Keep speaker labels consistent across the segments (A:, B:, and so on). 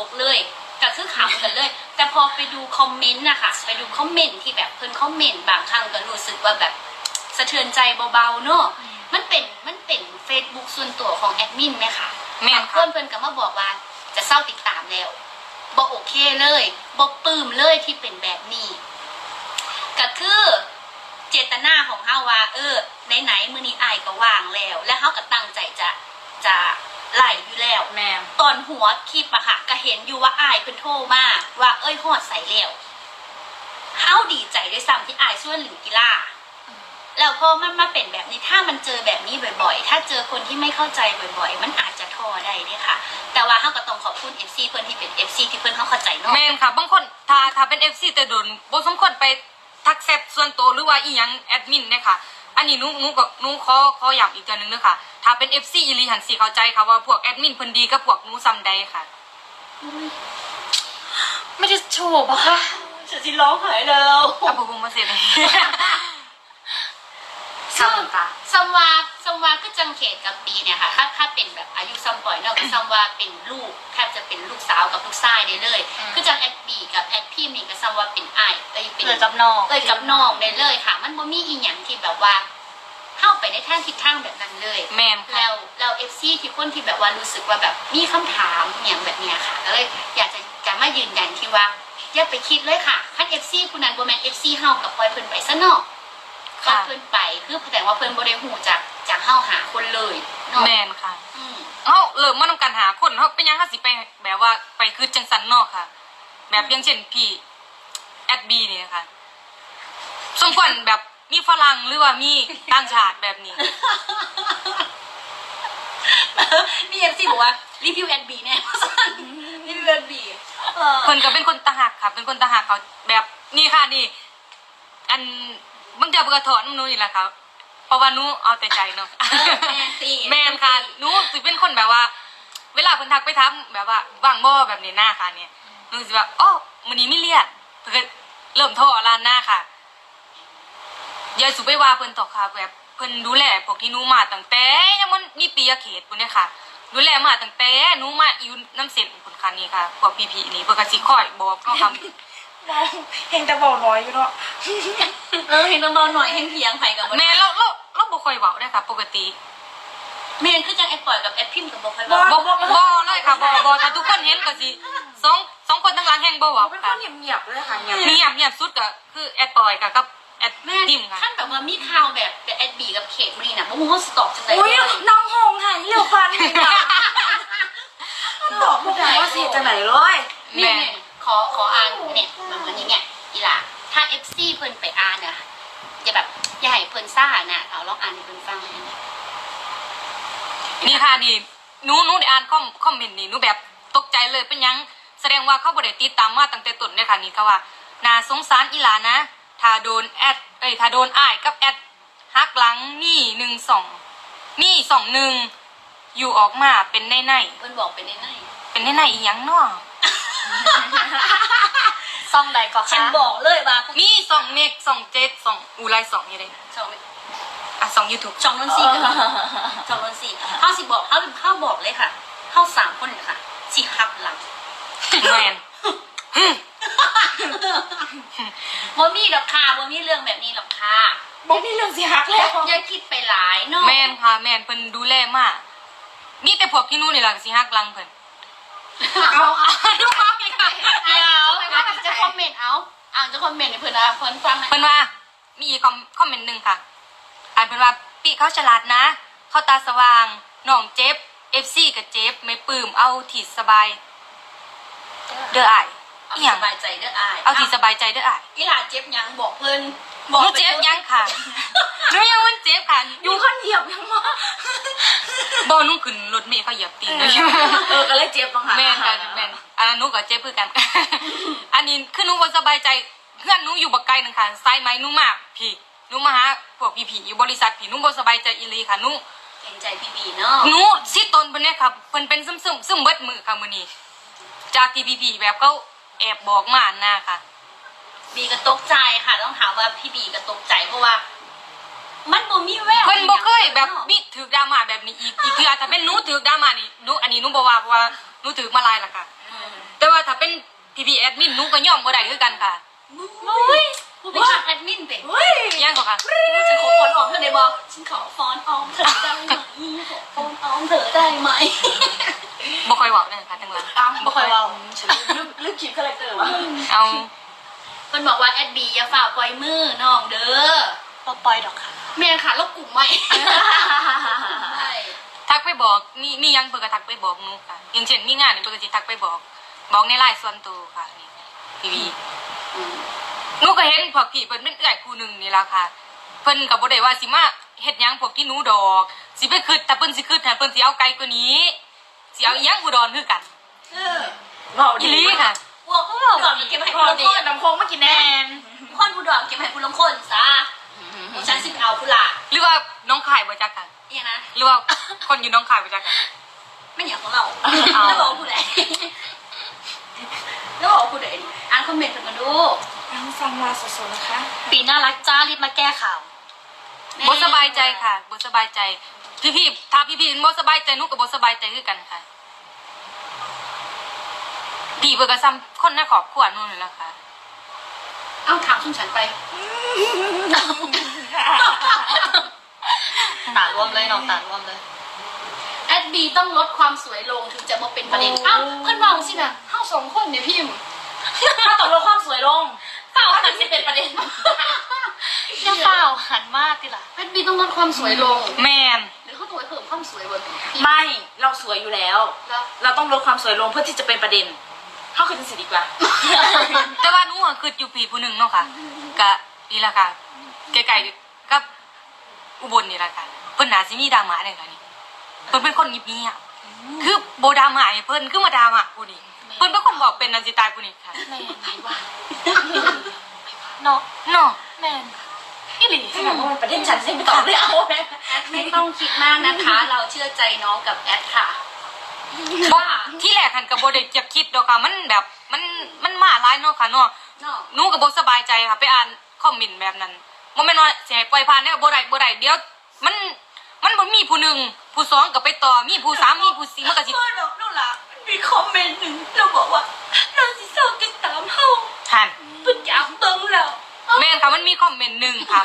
A: กเลยก็คือขำกันเลยแต่พอไปดูคอมเมนต์นะคะไปดูคอมเมนต์ที่แบบเพิ่นคอมเมนต์บางครั้งก็รู้สึกว่าแบบสะเทือนใจเบาๆเนาะมันเป็น Facebook ส่วนตัวของแอดมินไหมคะบางคนเพิ่นก็มาบอกว่าจะเศร้าติดตามแล้วบ่โอเคเลยบ่ปลื้มเลยที่เป็นแบบนี้ก็คือเจตนาของเฮาว่าไหนมื้อนี้อ้ายก็ว่างแล้วและเฮาก็ตั้งใจจะไล่อยู่แล้ว
B: แม่
A: ตอนหัวคลิปอะค่ะก็เห็นอยู่ว่าอ้ายเพิ่นโทรมาว่าฮอดใส่แล้วเฮาดีใจด้วยซ้ำที่อ้ายส่วนหลิวกีฬาแล้วพอมันมาเป็นแบบนี้ถ้ามันเจอแบบนี้บ่อยๆถ้าเจอคนที่ไม่เข้าใจบ่อยๆมันอาจจะท้อได้ด้วยค่ะแต่ว่าเฮาก็ต้องขอบคุณ FC เพิ่นที่เป็น FC ที่เพิ่นเฮาเข้าใจเนาะ
B: แม่นค่ะบางคนถ้าเป็น FC แต่โดนบ่สมควรไปทักแชทส่วนตัวหรือว่าอีหยังแอดมินเนี่ยค่ะอันนี้หนูขอย้ำอีกตัวนึงด้วยค่ะถ้าเป็น FC อีหลีหันสิเข้าใจค่ะว่าพวกแอดมินเพิ่นดีกับพวกหนูซ้ำใดค่ะ
A: ไม่ได้โชว์ปะคะฉันสิร้องไห้แล้ว
B: เอาบ่บ่มาเสร็จเลย
A: ซึ่งซัมวาก็จังเขตกับปีเนี่ยค่ะถ้าเป็นแบบอายุซัมปล่อยเนาะก็ซัมวาเป็นลูกแทบจะเป็นลูกสาวกับลูกชายได้เลยคือจังแอดบีกับแอดพี่มีกับซัมวาเป็นอ้ายเป็น
B: กับน้อง
A: กับน้องได้เลยค่ะมันบ่มีอีหยังที่แบบว่าเข้าไปในทางทิศทางแบบนั้นเลย
B: แม่นค่ะ
A: แล้วเอฟซีที่คนที่แบบว่ารู้สึกว่าแบบมีคำถามอย่างแบบเนี้ยค่ะก็เลยอยากจะมายืนยันที่ว่าอย่าไปคิดเลยค่ะคันเอฟซีผู้นั้นบ่แม่นเอฟซีเฮากับปล่อยเพิ่นไปซะเนาะก็เพิ่นไปคือแสดงว่าเพิ่นบ่ได้ฮู้จากเฮาหาคนเลยเนาะ
B: แม่นค่ะเฮาเริ่มมานำกันหาคนเฮาเป็นหยังเฮาสิไปแบบว่าไปคือจังซั่นเนาะค่ะแบบอย่างเช่นพี่แอดบีนี่ค่ะสมควรแบบมีฝรั่งหรือว่ามีต่างชาติแบบนี้
A: มีเอฟซีบอกว่ารีวิวแอดบีแน่รีวิวแอดบี
B: เพิ่นก็เป็นคนตาหักค่ะเป็นคนตาหักเขาแบบนี่ค่ะนี่อันบางเดือนเพิ่นก็ถอนหนูนี่แหละค่ะเพราะว่าหนูเอาแต่ใจเนาะแม่นค่ะหนูสิเป็นคนแบบว่าเวลาเพิ่นทักไปถามแบบว่าว่างบ่แบบนี้หน้าค่ะเนี่ยหนูสิว่าอ๋อมื้อนี้มีเรียกเพิ่นก็เริ่มโทรล้านหน้าค่ะอย่าสุไปว่าเพิ่นตอกค่ะแบบเพิ่นดูแลพวกที่หนูมาตั้งแต่ยังมันมีปีเขตปุ่นเนี่ยค่ะดูแลมาตั้งแต่หนูมาอยู่น้ำเส้นปุ่นค่ะนี่ค่ะพวกพี่ๆนี่เพิ่นก็สิคอยบอกเนาะค่ะ
C: เห็นแต่เบาน้อยอยู่เนาะ
A: เห็นเบาหน่อยเห็นเพียงไผกับ
B: แม่เราบ่ค่อยเว้าได้ค่ะปกติ
A: แม่นคือจังแอดปล่อยกับแอดพิมพ์กับบ่ค่อย
B: บ่เลยค่ะบ่ถ้าทุกคนเห็นก็สิสองคนทั้งหลังแฮงบ่เว้า
C: เป็นค
B: ค่ะ
C: นเงียบๆเลยค่ะเงี
B: ยบสุดก็คือแอดปอยกับแอด
A: แม่
B: พิมพ์ค่ะ
A: ท่านแบบว่ามีข่าวแบบแอดบีกับเขตมื้อนี้น่ะบ่ฮู้เฮาสต็อกจังได๋
C: อุ้ยน้องหงหายเร็วฟันเลยนะตอบไม่ได้ว่าสิจะไหนเลย
A: นี่ขออ่านเนี่ยเหมือนอย่างเงี้ยอีหล่ะถ้า FC เพิ่นไปอ่านน่ะอย่าให้เพิ่นซ่าน่ะเอาลองอ่านให้เพิ่นฟัง
B: นี่ค่ะนี่หนูได้อ่านคอมเมนต์นี่หนูแบบตกใจเลยเป็นยังแสดงว่าเขาบ่ได้ติดตามมาตั้งแต่ต้นเลยค่ะนี่ค่ะว่าน่าสงสารอีหลานะถ้าโดนถ้าโดนอ้ายกับแอดฮักหลังนี่12นี่21อยู่ออกมาเป็นใน
A: เพิ่นบอกเป็นใน
B: อีหยังเนาะ
A: ซ่องใดก็ค่ะฉันบอกเลยว่า
B: มี2เมก2 7 2อูไล2อยู่เด้2 YouTube
A: ช่องนนทรีกับช่องนนทรีเฮาสิบอกเฮาบอกเลยค่ะเฮา3คนค่ะสิฮับหลัง
B: แม่น
A: บ่มีดอกค่ะบ่มีเรื่องแบบนี้หรอกค่ะ
C: บ่มีเรื่องสิฮักแล้ว
A: อย่าคิดไปหลายเนาะ
B: แม่นค่ะแม่นเพิ่นดูแลมากมีแต่พวกที่นู่นนี่ล่ะสิฮักหลังเพิ่น
A: เอาดูเอาอีกค่ะเดี๋ยวจะคอมเมนต์เอาจะคอมเมนต์ให้เพิ่นเพิ่นฟัง
B: เพิ่นว่ามีอีกคอมเมนต์นึงค่ะอ่านเพิ่นว่าปีเขาฉลาดนะเขาตาสว่างน้องเจ็บ FC ก็เจ็บไม่ปลื้มเอาที่สบายเด้ออ้าย
A: อีหยังสบายใจเด้ออ้าย
B: เอาที่สบายใจเด้ออ้าย
A: อีหล่าเจ็บหยังบอกเพิ่น
B: บอกเจ็บยังค่ะหนูยังมันเจ็บค่ะ
C: อยู่คนเหยียบยังวะ
B: บ่นุ่งขึ้นรถเมล์เขาเหยียบตีนเลย
C: ก็เลยเจ็บบ้างค่ะ
B: แม่นกันแม่นอันนั้นหนูก็เจ็บคือกันอันนี้คือหนูบ่สบายใจเพื่อนหนูอยู่บักไกลนึงค่ะไซไม้หนูมากพี่หนูมาหาพวกพี่ๆอยู่บริษัทพี่หนูบ่สบายใจอีหลีค่ะหนู
A: เกรงใจพี่บีเนาะ
B: หนูสิตนเพิ่นเนี่ยค่ะเพิ่นเป็นซึมเบิดมือค่ะมื้อนี้จากที่พี่ๆแบบเขาแอบบอกมาน่ะค่ะ
A: บีก็ตกใจค่ะต้องถามว่าพี่บีก็ตกใจเพราะว่ามันบ่มีแวว
B: เพิ่นบ่เคยแบบมีถือดราม่าแบบนี้อีกคืออาจจะเป็นหนูถือดราม่านี่หนูอันนี้หนูบ่ว่าเพราะว่าหนูถือมาลายล่ะค่ะ แต่ว่าถ้าเป็นพี่แอดมินหนูก็ย่อมบ่ได้คือกันค่ะ
A: อุ้ยผู้เป็นแอดมินเป็น
C: เฮ้ย
B: ยังก็ค่ะ
A: ฉันขอฟอนออมเธอได้บอกฉันขอฟอนออมเธอได้ไหมขอฟอนออมเธอได้ไหม
B: บ่ค่อยเว้าเลยค่ะจังหวะ
A: บ่ค่อยเว้า
C: ฉันลืมคลิปคาแรคเตอร์วะ
B: เอา
A: เพิ่นบอกว่าแอดบีอย่าฝ่าปล่อยมือน้องเด้อ
C: ปล่อยดอกค่ะ
A: แม่ค่ะลบกลุ่มใหม่ใช่
B: ทักไปบอกมียังเพิ่นก็ทักไปบอกหนูค่ะอย่างเช่นมีงานนี่เพิ่นก็สิทักไปบอกในไลน์ส่วนตัวค่ะนี่ทีวี
A: อืม
B: หนูก็เห็นพวกพี่เพิ่นเป็นเอื้อยคู่หนึงนี่ล่ะค่ะเพิ่นก็บ่ได้ว่าสิมาเฮ็ดหยังพวกที่หนูดอกสิไปคิดแต่เพิ่นสิคิดให้เพิ่นสิเอาไกลกว่านี้สิเอาอีหยังอุดรคือกัน
C: เบา
B: อี
C: ดี
B: หลีค่ะ
A: พวกผู้ดอนเก็บให้
C: พ
A: ผู้
C: อ
A: ลง
C: ดี
A: คน
C: น้ำโคงมากินแน่
A: คนผู้ดอนเก็บให้ผู้ลงคนซะฉันสิเอาผู้ละ
B: หรือว่าน้องขายบ่จักกัน
A: เนี่ยนะ
B: หรือว่าคนอยู่น้องขายบ่จักกัน
A: ไม่อยากของเราแล้วบอกผู้ใดแล้วบอกผู้ใดอ่านคอมเมนต์เพิ่นมาดู
C: ฟังลาสดๆนะคะ
A: ปีน่ารักจ้ารีบมาแก้ข่าว
B: บ่สบายใจค่ะบ่สบายใจพี่ๆถ้าพี่ๆบ่สบายใจหนูก็บ่สบายใจคือกันค่ะพี่เพิ่นก็ซ้ำคนในครอบครัวหนูนี่แหละค่ะ
A: เอ้าถามชุนฉันไปตารวมเลยน้องตารวมเลยแอดบีต้องลดความสวยลงถึงจะมาเป็นประเด็นเอ้าเพื่อนมองสินะเท่าสองคนเนี่ยพิมพ์
C: ถ้าตกลงความสวยลง
A: เปล่าหันสิเป็นประเด็น
D: อย่าเปล่าหันมากดิล่ะ
A: แอดบีต้องลดความสวยลง
B: แม่น
A: หรือเขาตัวเพิ่มความสวยบน
C: ไม่เราสวยอยู่แล้ว
A: แล้ว
C: เราต้องลดความสวยลงเพื่อที่จะเป็นประเด็นเข้าคือจะสิดีกว่า
B: แต่ว่าหนูอะคืออยู่ปีผู้หนึงเนาะค่ะก็นี่ล่ะค่ะใกล้ๆกับอุบลนี่ล่ะค่ะเพิ่นน่าสิมีดราม่าได้ค่ะนี่เพิ่นเป็นคนเงียบๆคือบ่ดราม่าให้เพิ่นคือมาดราม่าผู้นี้เพิ่นเป็นคนบอกเป็นอันสิตายผู้นี้ค่ะ
D: แมนไหนวะเนาะ
B: เนาะ
D: แมน
C: อีหลีขนาดว่ามันประเด็นฉันยังไม่ตอบเลยเอาไหม
A: แอดไม่ต้องคิดมากนะคะ เราเชื่อใจน้องกับแอดค่ะ
B: บ่ที่แรกหันก็บ่ได้จะคิดดอกค่ะมันแบบมันมาหลายเนาะค่ะเนาะ
A: เนาะ
B: หนูก็บ่สบายใจค่ะไปอ่านคอมเมนต์แบบนั้นบ่แม่นว่าสิให้ปล่อยผ่านแนวบ่ได้เดี๋ยวมันบ่มีผู้หนึ่งผู้สองก็ไปต่อมีผู้สามมีผู้สี่มันก็สิ
A: เพื่อนเรานู่นล่ะมีคอมเมนต์หนึ่งเราบอกว่าเราสิเศร้าติดตามเฮา
B: หัน
A: เพิ่นอยากเบิ่งแล้ว
B: แม่นค่ะมันมีคอมเมนต์หนึงค่ะ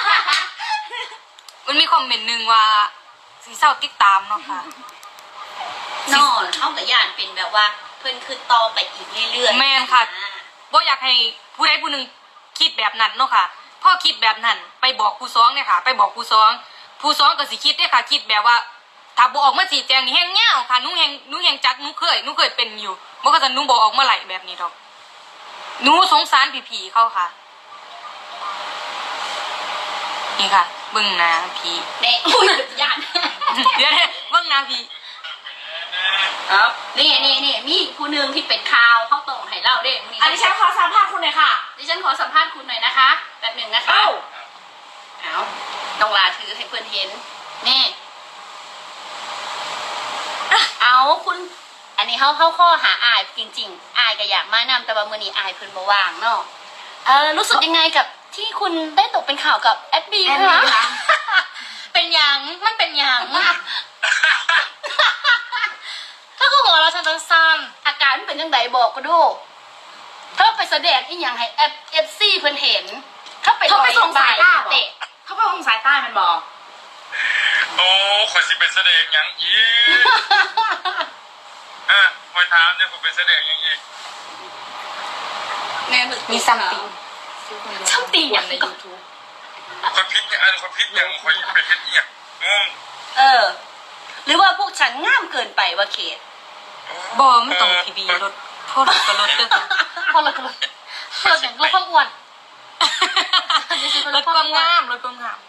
B: มันมีคอมเมนต์หนึงว่าสิเศร้าติดตามเนาะค่ะ
A: นอนเท่ากับย่านเป็นแบบว่า เพิ่นคือต่อไปอีกเรื่อยๆ
B: แม่นค่ะบ่อยากให้ผู้ใดผู้หนึงคิดแบบนั้นเนาะค่ะพอคิดแบบนั้นไปบอกผู้สองเนี่ยค่ะ ไปบอกผู้สองก็สิคิดเด้ค่ะ คิดแบบว่า ถ้าบ่ออกมาชี้แจงนี่แฮงยาวค่ะหนูแฮงจักหนูเคยเป็นอยู่บ่ก็จะหนูบ่ออกมาไหลแบบนี้ดอกหนูสงสารผีๆเขาค่ะนี่ค่ะเบิ่งหน้าผี
A: เน่อุ้ยย่าน
B: เดี๋ยวเบิ่งหน้าผี
C: ครับ
A: นี่มีผู้หนึงที่เป็นข่าวเขาตรงให้เล่าเด้
C: อันนี้ฉันขอสัมภาษณ์คุณหน่อยค่ะ
A: ดิฉันขอสัมภาษณ์คุณหน่อยนะคะแบบหนึ่งนะคะ
C: เอ้า
A: เอาน้องลาถือให้เพื่อนเห็นนี่เอาคุณ อันนี้เขาข้อหาอายจริงๆอายก็อยากมานำแต่ว่ามื้อนี้อายเพิ่นบ่ว่างเนาะรู้สึกยังไงกับที่คุณได้ตกเป็นข่าวกับแอดบี
C: แอดบี
A: คะ
C: คะ
A: เป็นหยังมันเป็นหยัง
D: ถ้าก็หัวเราะฉันต้องสั้น
A: อาการมันเป็นยังไงบอกก็ดูเธอไปแสดงอีหยังให้เอฟซีเพิ่นเห็นเขาไป
C: เขาไปส่งสายตา
A: เตะ
C: เขาไปส่งสายใต้มันบอก
E: โอ้ข่อยสิเป็นแสดงหยังอีกข่อยถามเนี่ยข่อยเป็นแสดงหยังอีก
A: แม่มึก
B: มีซัมติง
A: ช่างตีอย่าง
C: ใน
A: ก่อน
C: YouTube
E: ข่อยพิษเนี่ยข่อยพิษหยังข่อยไปเฮ็ดอีหยังงง
A: หรือว่าพวกฉันง่ามเกินไปว่าเขต
B: บ่มันต้องทีวีรถพ่อรถก็รถเด้อค่ะ
D: พอเลยก็เลยเราอย่างเราความอ้วน
B: รถความงามรถความงาม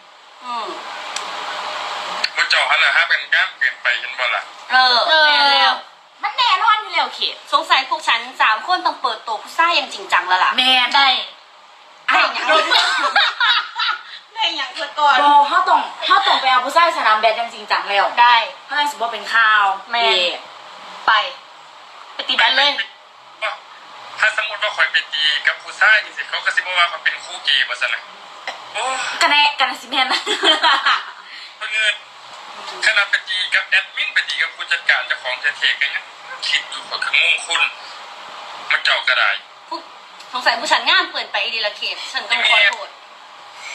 E: บ่เจ้าหั่นน่ะฮะเป็นงามเกินไปเห็นบ่ล่ะ
D: เออ
A: แม่แล้ว
C: มันแน่นอนอยู่แล้วเขต
A: สงสัยพวกฉัน3 คนต้องเปิดตัวผู้ชายอย่างจริงจังแล้วล่ะ
C: แมน
D: ได้
A: ได้หยังได้หยังเกิดก่อน
C: บอเขาต้องไปเอาผู้ชายสนามแบดยังจริงจังแล้ว
D: ได้
C: เขาเลยสิบ่เป็นข่าว
D: แม่น
C: เย่
D: ไปไปตีแบนเลย
E: ถ้าสมมุติว่าข่อยไปตีกับผู้ชายจังซี่เขาก็สิบ่ว่าข่อยเป็นคู่เกย์ว่าซั่นน่ะโอ้
C: กันแน่สิแมนนะ
E: เพิ่นเงินขนาดไปตีกับแอดมินไปตีกับผู้จัดการเจ้าของเทๆกันยังคิดอยู่ว่าคืองงคุณมันเจ้าก็ได้
A: สงสัยผู้ฉันงานเปิดไปดีละเขตฉันต้องขอโทษ